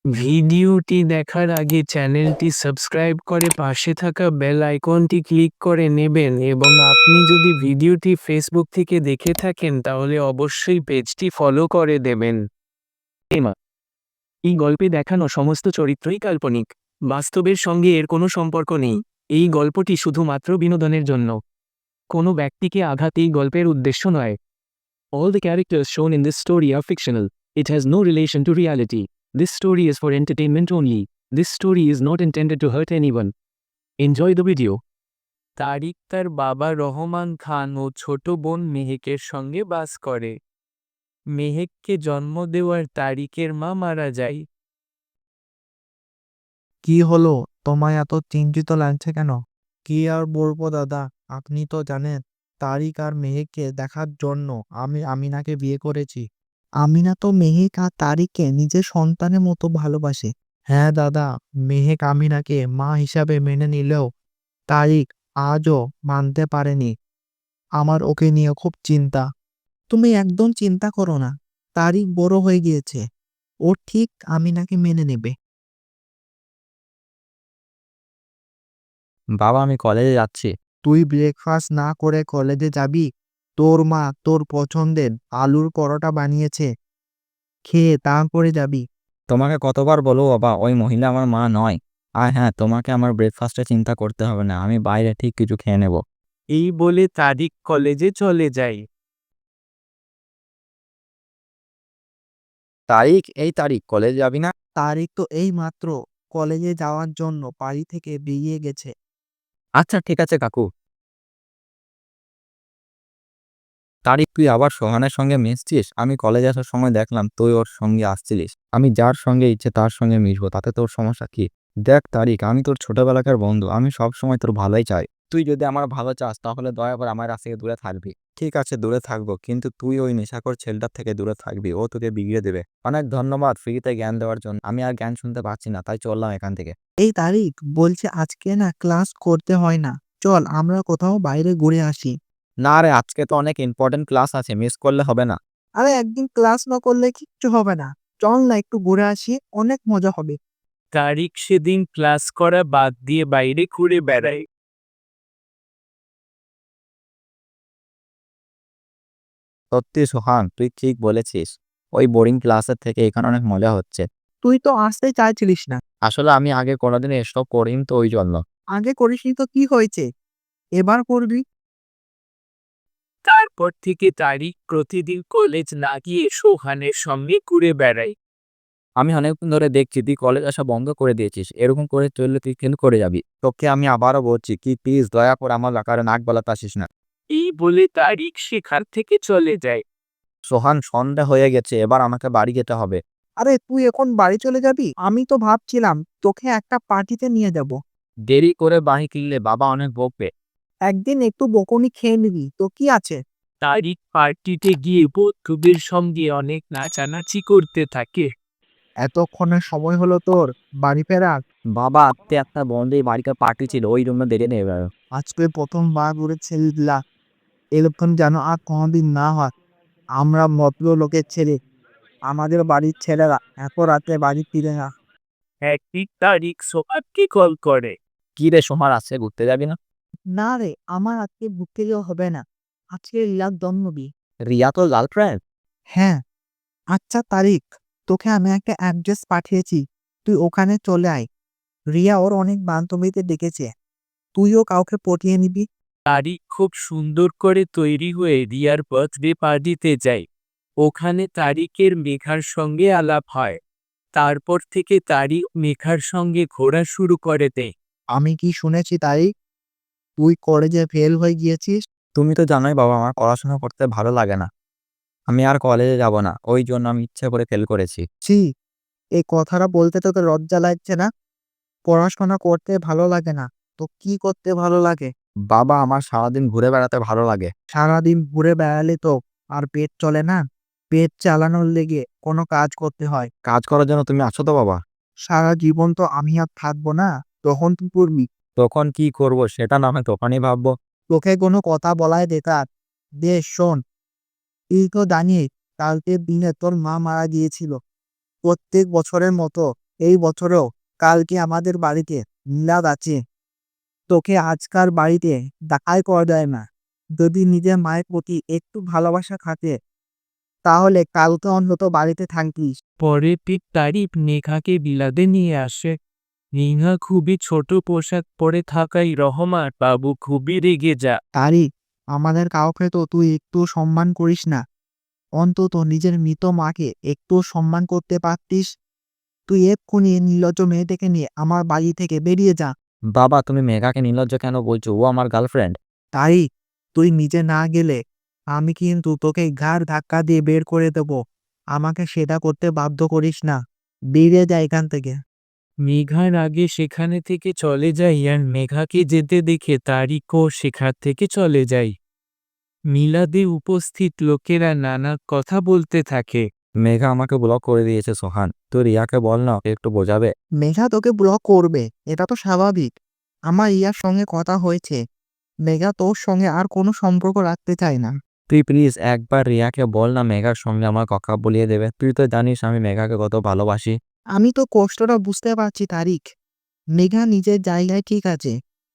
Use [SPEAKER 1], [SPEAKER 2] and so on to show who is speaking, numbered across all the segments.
[SPEAKER 1] ভিডিওটি দেখার আগে চ্যানেলটি সাবস্ক্রাইব করে পাশে থাকা বেল আইকনটি ক্লিক করে নেবেন এবং আপনি যদি ভিডিওটি ফেসবুক থেকে দেখে থাকেন তাহলে অবশ্যই পেজটি ফলো করে দেবেন। এই গল্পে দেখানো সমস্ত চরিত্রই কাল্পনিক। বাস্তবের সঙ্গে এর কোনো সম্পর্ক নেই। এই গল্পটি শুধুমাত্র বিনোদনের জন্য। কোনো ব্যক্তিকে আঘাত এই গল্পের উদ্দেশ্য নয়। All the characters shown in this story are fictional. It has no relation to reality. This story is for entertainment only. This story is not intended to hurt anyone. Enjoy the video. তারিক তার বাবা রহমান খান ও ছোট বোন মেহেকের সঙ্গে বাস করে। মেহেককে জন্ম দেওয়ার তারিকের মা মারা যায়।
[SPEAKER 2] কি হলো? তোমায় এত চিন্তিত লাগছে কেন? কি আর বলবো দাদা, আপনি তো জানেন তারিক আর মেহেককে দেখার জন্য আমি আমিনাকে বিয়ে করেছি। আমিনা তো মেহেক আর তারিককে নিজের সন্তানের মতো ভালোবাসে। হ্যাঁ দাদা, মেহেক আমিনাকে মা হিসাবে মেনে নিলেও তারিক আজও মানতে পারেনি। আমার ওকে নিয়ে খুব চিন্তা। তুমি একদম চিন্তা করো না, তারিক বড় হয়ে গিয়েছে, ও ঠিক আমিনাকে মেনে নেবে।
[SPEAKER 3] বাবা, আমি কলেজে যাচ্ছি।
[SPEAKER 2] তুই ব্রেকফাস্ট না করে কলেজে যাবি? তোর মা তোর পছন্দের আলুর পরোটা বানিয়েছে, খেয়ে তারপরে যাবি।
[SPEAKER 3] তোমাকে কতবার বলবো বাবা, ওই মহিলা আমার মা নয়। আর হ্যাঁ, তোমাকে আমার ব্রেকফাস্টে চিন্তা করতে হবে না, আমি বাইরে ঠিক কিছু খেয়ে নেব।
[SPEAKER 1] এই বলে তারিক কলেজে চলে যায়।
[SPEAKER 3] এই তারিখ কলেজে যাবি না?
[SPEAKER 2] তারিক তো এই মাত্র কলেজে যাওয়ার জন্য বাড়ি থেকে বেরিয়ে গেছে।
[SPEAKER 3] আচ্ছা ঠিক আছে কাকু। তারিখ, তুই আবার সোহানের সঙ্গে মিশছিস? আমি কলেজে আসার সময় দেখলাম তুই ওর সঙ্গে আসছিলিস। আমি যার সঙ্গে ইচ্ছে তার সঙ্গে মিশবো, তাতে তোর সমস্যা কি? দেখ তারিখ, আমি তোর ছোটবেলাকার বন্ধু, আমি সব সময় তোর ভালোই চাই। তুই যদি আমার ভালো চাস তাহলে দয়া করে আমার কাছ থেকে দূরে থাকবি। ঠিক আছে, দূরে থাকবো, কিন্তু তুই ওই নেশাখোর ছেলেটার থেকে দূরে থাকবি, ও তোকে বিগড়ে দেবে। অনেক ধন্যবাদ ফ্রিতে জ্ঞান দেওয়ার জন্য। আমি আর জ্ঞান শুনতে পাচ্ছি না, তাই চললাম এখান থেকে।
[SPEAKER 2] এই তারিক বলছে আজকে না ক্লাস করতে হয় না, চল আমরা কোথাও বাইরে ঘুরে আসি।
[SPEAKER 3] না রে, আজকে তো অনেক ইম্পর্টেন্ট ক্লাস আছে, মিস করলে হবে না।
[SPEAKER 2] আরে একদিন ক্লাস না করলে কিচ্ছু হবে না, চল না একটু ঘুরে আসি, অনেক মজা হবে।
[SPEAKER 1] তারিক সেদিন ক্লাস করা বাদ দিয়ে বাইরে ঘুরে বেড়ায়।
[SPEAKER 3] সত্যি সোহান, তুই ঠিক বলেছিস। ওই বোরিং ক্লাসের থেকে এখানে অনেক মজা হচ্ছে।
[SPEAKER 2] তুই তো আসতে চাইছিলিস না।
[SPEAKER 3] আসলে আমি আগে কোনোদিন এসব করিনি তো, ওই জন্য।
[SPEAKER 2] আগে করিসনি তো কি হয়েছে, এবার করবি।
[SPEAKER 1] তারপর থেকে তারিক প্রতিদিন কলেজ না গিয়ে সোহানের সঙ্গে ঘুরে বেড়ায়।
[SPEAKER 3] আমি অনেকদিন ধরে দেখছি তুই কলেজ আসা বন্ধ করে দিয়েছিস। এরকম করে চললে তুই কিন্তু করে যাবি। তোকে আমি আবারও বলছি, কি প্লিজ দয়া করে আমার আকারে নাক গলাতে আসিস না।
[SPEAKER 1] এই বলে তারিক সেখান থেকে চলে যায়।
[SPEAKER 3] সোহান, সন্ধ্যা হয়ে গেছে, এবার আমাকে বাড়ি যেতে হবে।
[SPEAKER 2] আরে তুই এখন বাড়ি চলে যাবি? আমি তো ভাবছিলাম তোকে একটা পার্টিতে নিয়ে যাব।
[SPEAKER 3] দেরি করে বাড়ি কিনলে বাবা অনেক বকবে।
[SPEAKER 2] একদিন একটু বকুনি খেয়ে নিবি তো কি আছে।
[SPEAKER 1] তারিক পার্টিতে গিয়ে বন্ধুদের সঙ্গে অনেক নাচানাচি করতে থাকে।
[SPEAKER 2] এতক্ষণের সময় হলো তোর বাড়ি ফেরার?
[SPEAKER 3] বাবা, আজকে একটা বন্ধের বাড়িতে পার্টি ছিল, ওই জন্য দেরি নেই এবার।
[SPEAKER 2] আজকে প্রথমবার করে ছেড়ে দিলা, এরকম যেন আর কোনোদিন না হয়। আমরা ভদ্রলোকের ছেলে, আমাদের বাড়ির ছেলেরা এত রাতে বাড়ি ফিরে না।
[SPEAKER 1] একদিন তারিক সোহানকে কল করে।
[SPEAKER 3] কি রে সোহান, আজকে ঘুরতে যাবি না?
[SPEAKER 2] না রে, আমার আজকে ঘুরতে যাওয়া হবে না, আজকে রিয়ার জন্মদিন।
[SPEAKER 3] রিয়া তো গার্লফ্রেন্ড?
[SPEAKER 2] হ্যাঁ। আচ্ছা তারিক, তোকে আমি একটা অ্যাড্রেস পাঠিয়েছি, তুই ওখানে চলে আয়। রিয়া ওর অনেক বান্ধবীদের ডেকেছে, তুইও কাউকে পটিয়ে নিবি।
[SPEAKER 1] তারিক খুব সুন্দর করে তৈরি হয়ে রিয়ার বার্থডে পার্টিতে যায়। ওখানে তারিকের মেঘার সঙ্গে আলাপ হয়। তারপর থেকে তারিক মেঘার সঙ্গে ঘোরা শুরু করে দেয়।
[SPEAKER 2] আমি কি শুনেছি তারিক, তুই কলেজে ফেল হয়ে গিয়েছিস?
[SPEAKER 3] তুমি তো জানোই বাবা, আমার পড়াশোনা করতে ভালো লাগে না। আমি আর কলেজে যাব না, ওই জন্য আমি ইচ্ছে করে ফেল করেছি।
[SPEAKER 2] ছি, এই কথাটা বলতে তোকে লজ্জা লাগছে না? পড়াশোনা করতে ভালো লাগে না তো কি করতে ভালো লাগে?
[SPEAKER 3] বাবা, আমার সারাদিন ঘুরে বেড়াতে ভালো লাগে।
[SPEAKER 2] সারাদিন ঘুরে বেড়ালে তো আর পেট চলে না, পেট চালানোর লেগে কোনো কাজ করতে হয়।
[SPEAKER 3] কাজ করার জন্য তুমি আছো তো বাবা।
[SPEAKER 2] সারা জীবন তো আমি আর থাকবো না, তখন তুই করবি।
[SPEAKER 3] তখন কি করব সেটা না হয় তখনই ভাববো।
[SPEAKER 2] তোকে কোনো কথা বলায় বেকার। বেশ শোন, তুই তো জানিস কালকের দিনে তোর মা মারা গিয়েছিল। প্রত্যেক বছরের মতো এই বছরেও কালকে আমাদের বাড়িতে মিলাদ আছে। তোকে আজকাল বাড়িতে দেখাই করা যায় না। যদি নিজের মায়ের প্রতি একটু ভালোবাসা থাকে তাহলে কালকে অন্তত বাড়িতে থাকিস।
[SPEAKER 1] পরের দিন তারিক মেঘাকে বিলাদে নিয়ে আসে। মেঘা খুবই ছোট পোশাক পরে থাকায় রহমান বাবু খুবই রেগে যায়।
[SPEAKER 2] তারিক, আমাদের কাউকে তো তুই একটু সম্মান করিস না। অন্তত নিজের মৃত মাকে একটু সম্মান করতে পারতিস। তুই এক্ষুনি এই নির্লজ্জ মেয়েটাকে নিয়ে আমার বাড়ি থেকে বেরিয়ে যা।
[SPEAKER 3] বাবা, তুমি মেঘাকে নির্লজ্জ কেন বলছো? ও আমার গার্লফ্রেন্ড।
[SPEAKER 2] তারিক, তুই নিজে না গেলে আমি কিন্তু তোকে ঘাড় ধাক্কা দিয়ে বের করে দেব। আমাকে সেটা করতে বাধ্য করিস না। বেরিয়ে যা এখান থেকে।
[SPEAKER 1] মেঘার আগে সেখানে থেকে চলে যায় আর মেঘাকে যেতে দেখে তারিকও সেখান থেকে চলে যায়। মিলাদে উপস্থিত লোকেরা নানা কথা বলতে থাকে।
[SPEAKER 3] মেঘা আমাকে ব্লক করে দিয়েছে সোহান। তুই রিয়াকে বল না, ওকে একটু বোঝাবে।
[SPEAKER 2] মেঘা তোকে ব্লক করবে, এটা তো স্বাভাবিক। আমার ইয়ার সঙ্গে কথা হয়েছে, মেঘা তোর সঙ্গে আর কোনো সম্পর্ক রাখতে চায় না।
[SPEAKER 3] তুই প্লিজ একবার রিয়াকে বল না মেঘার সঙ্গে আমার কথা বলিয়ে দেবে। তুই তো জানিস আমি মেঘাকে কত ভালোবাসি।
[SPEAKER 2] আমি তো কষ্টটা বুঝতে পারছি তারিক। মেঘা নিজের জায়গায় ঠিক আছে,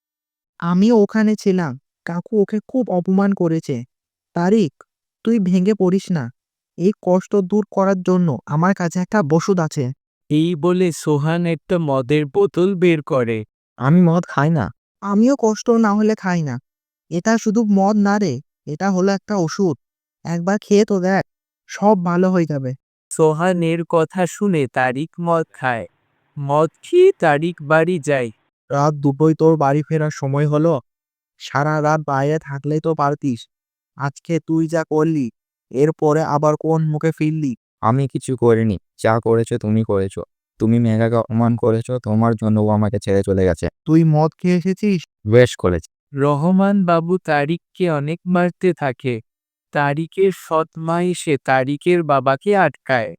[SPEAKER 2] আমিও ওখানে ছিলাম। কাকু ওকে খুব অপমান করেছে। তারিক, তুই ভেঙে পড়িস না। এই কষ্ট দূর করার জন্য আমার কাছে একটা ওষুধ আছে।
[SPEAKER 1] এই বলে সোহান একটা মদের বোতল বের করে।
[SPEAKER 3] আমি মদ খাই না।
[SPEAKER 2] আমিও কষ্ট না হলে খাই না। এটা শুধু মদ না রে, এটা হলো একটা ওষুধ। একবার খেয়ে তো দেখ, সব ভালো হয়ে যাবে।
[SPEAKER 1] সোহানের কথা শুনে তারিক মদ খায়। মদ খেয়ে তারিক বাড়ি যায়।
[SPEAKER 2] রাত দুটোই তোর বাড়ি ফেরার সময় হলো। সারা রাত বাইরে থাকলেই তো পারতিস। আজকে তুই যা করলি, এরপরে আবার কোন মুখে ফিরলি?
[SPEAKER 3] আমি কিছু করিনি, যা করেছো তুমি করেছো। তুমি মেঘাকে অপমান করেছো, তোমার জন্য ও আমাকে ছেড়ে চলে গেছে।
[SPEAKER 2] তুই মদ খেয়ে এসেছিস?
[SPEAKER 3] বেশ করেছে।
[SPEAKER 1] রহমান বাবু তারিককে অনেক মারতে থাকে। তারিকের সৎ মা এসে তারিকের বাবাকে আটকায়।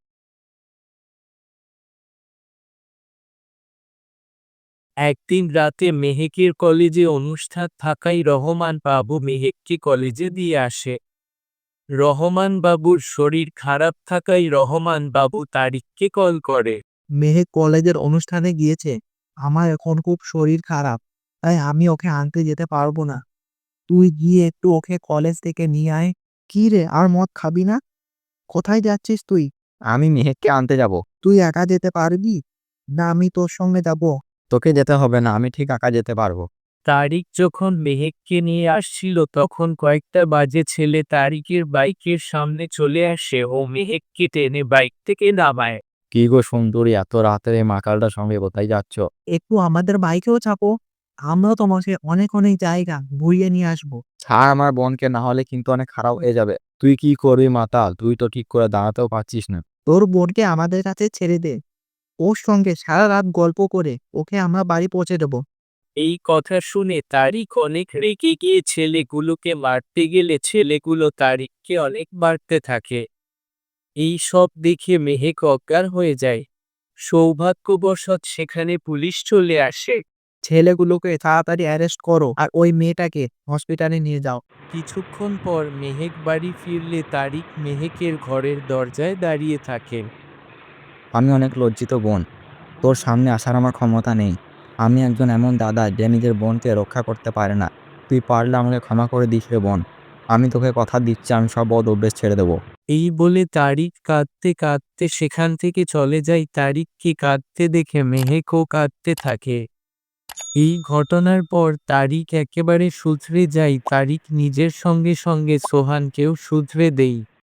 [SPEAKER 1] একদিন রাতে মেহেকের কলেজে অনুষ্ঠান থাকায় রহমান বাবু মেহেককে কলেজে দিয়ে আসে। রহমান বাবুর শরীর খারাপ থাকায় রহমান বাবু তারিককে কল করে।
[SPEAKER 2] মেহেক কলেজের অনুষ্ঠানে গিয়েছে। আমার এখন খুব শরীর খারাপ, তাই আমি ওকে আনতে যেতে পারবো না। তুই গিয়ে একটু ওকে কলেজ থেকে নিয়ে আয়। কি রে, আর মদ খাবি না? কোথায় যাচ্ছিস তুই?
[SPEAKER 3] আমি মেহেককে আনতে যাব।
[SPEAKER 2] তুই একা যেতে পারবি? না আমি তোর সঙ্গে যাব?
[SPEAKER 3] তোকে যেতে হবে না, আমি ঠিক একা যেতে পারবো।
[SPEAKER 1] তারিক যখন মেহেককে নিয়ে আসছিল তখন কয়েকটা বাজে ছেলে তারিকের বাইকের সামনে চলে আসে ও মেহেককে টেনে বাইক থেকে নামায়।
[SPEAKER 3] কি গো সুন্দরী, এত রাতের এই মাকালটার সঙ্গে কোথায় যাচ্ছ?
[SPEAKER 2] একটু আমাদের বাইকেও চাপো, আমরাও তোমাকে অনেক অনেক জায়গা ঘুরিয়ে নিয়ে আসবো।
[SPEAKER 3] ছাড় আমার বোনকে, না হলে কিন্তু অনেক খারাপ হয়ে যাবে। তুই কি করবি মাতাল? তুই তো ঠিক করে দাঁড়াতেও পারছিস না।
[SPEAKER 2] তোর বোনকে আমাদের কাছে ছেড়ে দে। ওর সঙ্গে সারা রাত গল্প করে ওকে আমরা বাড়ি পৌঁছে দেবো।
[SPEAKER 1] এই কথা শুনে তারিক অনেক রেগে গিয়ে ছেলেগুলোকে মারতে গেলে ছেলেগুলো তারিককে অনেক মারতে থাকে। এই সব দেখে মেহেক অজ্ঞান হয়ে যায়। সৌভাগ্যবশত সেখানে পুলিশ চলে আসে।
[SPEAKER 2] ছেলেগুলোকে তাড়াতাড়ি অ্যারেস্ট করো আর ওই মেয়েটাকে হসপিটালে নিয়ে যাও।
[SPEAKER 1] কিছুক্ষণ পর মেহেক বাড়ি ফিরলে তারিক মেহেকের ঘরের দরজায় দাঁড়িয়ে থাকেন।
[SPEAKER 3] আমি অনেক লজ্জিত বোন, তোর সামনে আসার আমার ক্ষমতা নেই। আমি একজন এমন দাদা যে নিজের বোনকে রক্ষা করতে পারে না। তুই পারলে আমাকে ক্ষমা করে দিস রে বোন। আমি তোকে কথা দিচ্ছি, আমি সব বদ অভ্যেস ছেড়ে দেবো।
[SPEAKER 1] এই বলে তারিক কাঁদতে কাঁদতে সেখান থেকে চলে যায়। তারিককে কাঁদতে দেখে মেহেকও কাঁদতে থাকে। এই ঘটনার পর তারিক একেবারে শুধরে যায়। তারিক নিজের সঙ্গে সঙ্গে সোহানকেও শুধরে দেয়।